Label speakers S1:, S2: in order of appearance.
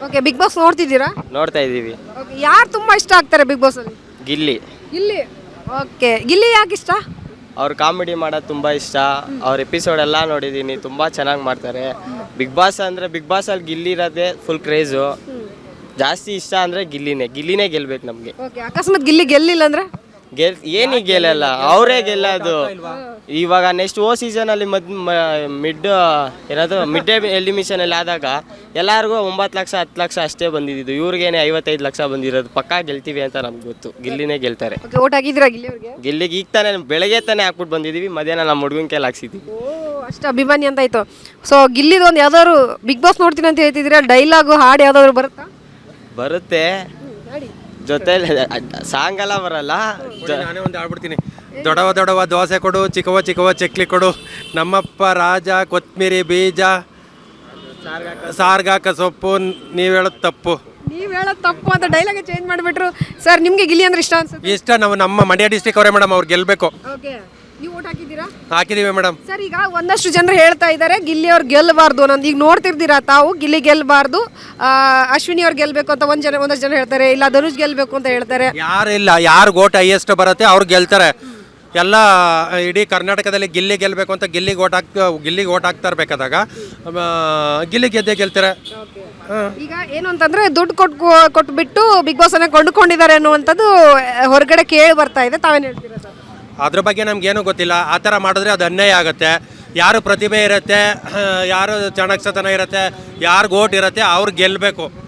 S1: Okay, big boss ನೋಡ್ತಿದ್ದೀರಾ?
S2: ನೋಡ್ತಾ ಇದ್ದೀವಿ.
S1: ಓಕೆ, ಯಾರು ತುಂಬಾ ಇಷ್ಟ ಆಗ್ತಾರೆ ಬಿಗ್ ಬಾಸ್ ಅಲ್ಲಿ?
S2: ಗಿಲ್ಲಿ
S1: ಗಿಲ್ಲಿ. ಓಕೆ, ಗಿಲ್ಲಿ ಯಾಕೆ ಇಷ್ಟ?
S2: ಅವ್ರು ಕಾಮಿಡಿ ಮಾಡೋದು ತುಂಬ ಇಷ್ಟ. ಅವ್ರ ಎಪಿಸೋಡ್ ಎಲ್ಲ ನೋಡಿದ್ದೀನಿ, ತುಂಬ ಚೆನ್ನಾಗಿ ಮಾಡ್ತಾರೆ. ಬಿಗ್ ಬಾಸ್ ಅಂದರೆ ಬಿಗ್ ಬಾಸಲ್ಲಿ ಗಿಲ್ಲಿ ಇರೋದೇ ಫುಲ್ ಕ್ರೇಜು. ಜಾಸ್ತಿ ಇಷ್ಟ ಅಂದರೆ ಗಿಲ್ಲಿನೇ ಗೆಲ್ಬೇಕು ನಮಗೆ.
S1: ಓಕೆ, ಅಕಸ್ಮಾತ್ ಗಿಲ್ಲಿ ಗೆಲ್ಲಿಲ್ಲ ಅಂದ್ರೆ?
S2: ಏನಿಗೆ ಗೆಲ್ಲಲ್ಲ, ಅವರೇ ಗೆಲ್ಲೋದು. ಇವಾಗ ನೆಕ್ಸ್ಟ್ ಸೀಸನಲ್ಲಿ ಮಿಡ್ ಎಲಿಮಿಷನಲ್ಲಿ ಆದಾಗ ಎಲ್ಲರಿಗೂ 9 ಲಕ್ಷ 10 ಲಕ್ಷ ಅಷ್ಟೇ ಬಂದಿದ್ದು. ಇವ್ರಿಗೇನೆ 55 ಲಕ್ಷ ಬಂದಿರೋದು. ಪಕ್ಕಾ ಗೆಲ್ತೀವಿ ಅಂತ ನಮ್ಗೆ ಗೊತ್ತು. ಗಿಲ್ಲಿನೇ ಗೆಲ್ತಾರೆ.
S1: ಓಕೆ, ಓಟ್ ಹಾಕಿದ್ದೀರಾ ಗಿಲ್ಲಿ ಅವ್ರಿಗೆ?
S2: ಗಿಲ್ಲಿಗೆ ಈಗ ತಾನೇ ಬೆಳಗ್ಗೆ ತಾನೇ ಹಾಕ್ಬಿಟ್ಟು ಬಂದಿದ್ದೀವಿ. ಮಧ್ಯಾಹ್ನ ನಮ್ಮ ಹುಡುಗನ ಕೈಲಿ ಹಾಕ್ಸಿದ್ವಿ.
S1: ಅಷ್ಟು ಅಭಿಮಾನಿ ಅಂತ ಆಯ್ತು. ಸೊ ಗಿಲ್ಲಿದು ಒಂದು ಯಾವ್ದಾದ್ರು ಬಿಗ್ ಬಾಸ್ ನೋಡ್ತೀನಿ ಅಂತ ಹೇಳ್ತಿದ್ದೀರಾ, ಡೈಲಾಗು ಹಾಡು ಯಾವ್ದಾದ್ರು ಬರುತ್ತಾ?
S2: ಬರುತ್ತೆ, ಜೊತೆಲಿ ಸಾಂಗ್ ಎಲ್ಲ ಬರಲ್ಲ.
S3: ನಾನೇ ಒಂದು ಆಡ್ಬಿಡ್ತೀನಿ. ದೊಡವ ದೊಡವ ದೋಸೆ ಕೊಡು, ಚಿಕ್ಕವ ಚಿಕ್ಕವ ಚಕ್ಲಿ ಕೊಡು, ನಮ್ಮಪ್ಪ ರಾಜ ಕೊತ್ಮಿರಿ ಬೀಜ, ಸಾರ್ಗಾಕ ಸೊಪ್ಪು, ನೀವು ಹೇಳೋದು ತಪ್ಪು.
S1: ನೀವು ಹೇಳೋದು ತಪ್ಪು ಅಂತ ಡೈಲಾಗ್ ಚೇಂಜ್ ಮಾಡಿಬಿಟ್ರು. ಸರ್, ನಿಮಗೆ ಗಿಲ್ಲಿ ಅಂದ್ರೆ ಇಷ್ಟ ಅನ್ಸುತ್ತೆ?
S3: ಇಷ್ಟ. ನಮ್ಮ ಮಂಡ್ಯ ಡಿಸ್ಟಿಕ್ ಅವರೇ ಮೇಡಮ್, ಅವ್ರು ಗೆಲ್ಲಬೇಕು.
S1: ಓಕೆ, ನೀವು ಓಟ್ ಹಾಕಿದ್ದೀರಾ?
S3: ಹಾಕಿದೀವಿ ಮೇಡಮ್.
S1: ಸರ್, ಈಗ ಒಂದಷ್ಟು ಜನರು ಹೇಳ್ತಾ ಇದ್ದಾರೆ ಗಿಲ್ಲಿ ಅವ್ರು ಗೆಲ್ಲಬಾರ್ದು ಅನ್ನೋದು. ಈಗ ನೋಡ್ತಿರ್ತೀರಾ ತಾವು, ಗಿಲ್ಲಿ ಗೆಲ್ಲಬಾರ್ದು, ಅಶ್ವಿನಿ ಅವ್ರು ಗೆಲ್ಲಬೇಕು ಅಂತ ಒಂದಷ್ಟು ಜನ ಹೇಳ್ತಾರೆ. ಇಲ್ಲ ಧನುಷ್ ಗೆಲ್ಲಬೇಕು ಅಂತ ಹೇಳ್ತಾರೆ.
S3: ಯಾರಿಲ್ಲ, ಯಾರು ಓಟ್ ಹೈಯೆಸ್ಟ್ ಬರುತ್ತೆ ಅವ್ರು ಗೆಲ್ತಾರೆ. ಎಲ್ಲ ಇಡೀ ಕರ್ನಾಟಕದಲ್ಲಿ ಗಿಲ್ಲಿ ಗೆಲ್ಲಬೇಕು ಅಂತ ಗಿಲ್ಲಿಗೆ ಓಟ್ ಹಾಕ್ತಾ ಇರ್ಬೇಕಾದಾಗ ಗಿಲ್ಲಿ ಗೆಲ್ತಾರೆ.
S1: ಈಗ ಏನು ಅಂತಂದ್ರೆ ದುಡ್ಡು ಕೊಟ್ಬಿಟ್ಟು ಬಿಗ್ ಬಾಸ್ ಅನ್ನ ಕೊಂಡುಕೊಂಡಿದ್ದಾರೆ ಅನ್ನುವಂಥದ್ದು ಹೊರಗಡೆ ಕೇಳಿ ಬರ್ತಾ ಇದೆ. ತಾವೇನು ಹೇಳ್ತೀರಾ ಸರ್?
S3: ಅದ್ರ ಬಗ್ಗೆ ನಮ್ಗೇನು ಗೊತ್ತಿಲ್ಲ. ಆ ಥರ ಮಾಡಿದ್ರೆ ಅದು ಅನ್ಯಾಯ ಆಗುತ್ತೆ. ಯಾರು ಪ್ರತಿಭೆ ಇರುತ್ತೆ, ಯಾರು ಚಾಣಾಕ್ಷತನ ಇರುತ್ತೆ, ಯಾರು ಓಟ್ ಇರುತ್ತೆ ಅವ್ರು ಗೆಲ್ಲಬೇಕು.